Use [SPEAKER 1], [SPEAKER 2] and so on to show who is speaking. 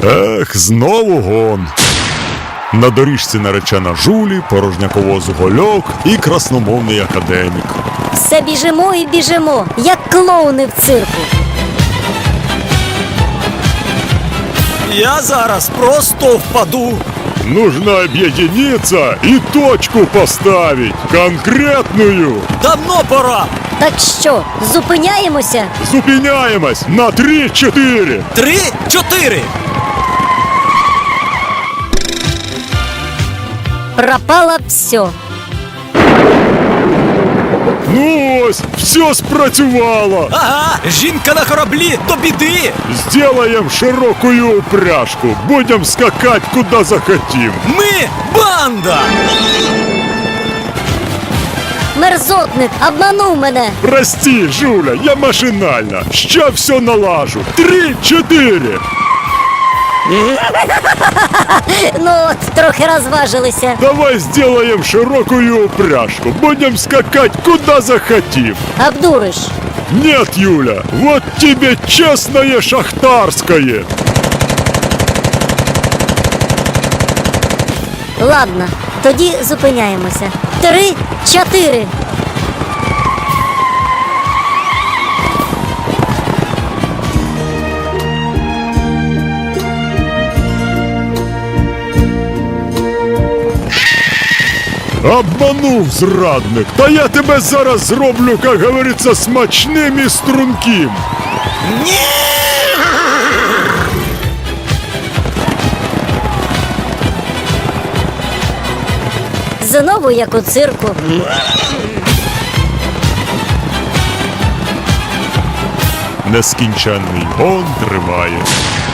[SPEAKER 1] Ех, знову гон. На доріжці наречена Жулі, порожняковоз Гольок і красномовний академік.
[SPEAKER 2] Все біжимо і біжимо, як клоуни в цирку.
[SPEAKER 3] Я зараз просто впаду.
[SPEAKER 1] Нужно объединиться и точку поставить, конкретную.
[SPEAKER 3] Давно пора.
[SPEAKER 2] Так що, зупиняємося?
[SPEAKER 1] Зупиняемость на 3-4.
[SPEAKER 3] 3-4.
[SPEAKER 2] Пропало все.
[SPEAKER 1] Ну ось, все спрацювало.
[SPEAKER 3] Ага, жінка на кораблі до біди.
[SPEAKER 1] Сделаем широкую упряжку. Будем скакать куда захотим.
[SPEAKER 3] Ми банда.
[SPEAKER 2] Мерзотник обманув мене.
[SPEAKER 1] Прости, Жуля, я машинально. Ща все налажу. 3-4.
[SPEAKER 2] Ну от, трохи розважилися.
[SPEAKER 1] Давай сделаем широкую упряжку. Будем скакать куда захотим.
[SPEAKER 2] Обдуриш.
[SPEAKER 1] Нет, Юля, вот тебе честное шахтарское.
[SPEAKER 2] Ладно, тоді зупиняємося. 3-4.
[SPEAKER 1] Обманув, зрадник. Та я тебе зараз зроблю, как говорится, смачним і струнким.
[SPEAKER 3] Ні!
[SPEAKER 2] Знову як у цирку.
[SPEAKER 1] Нескінченний гон триває.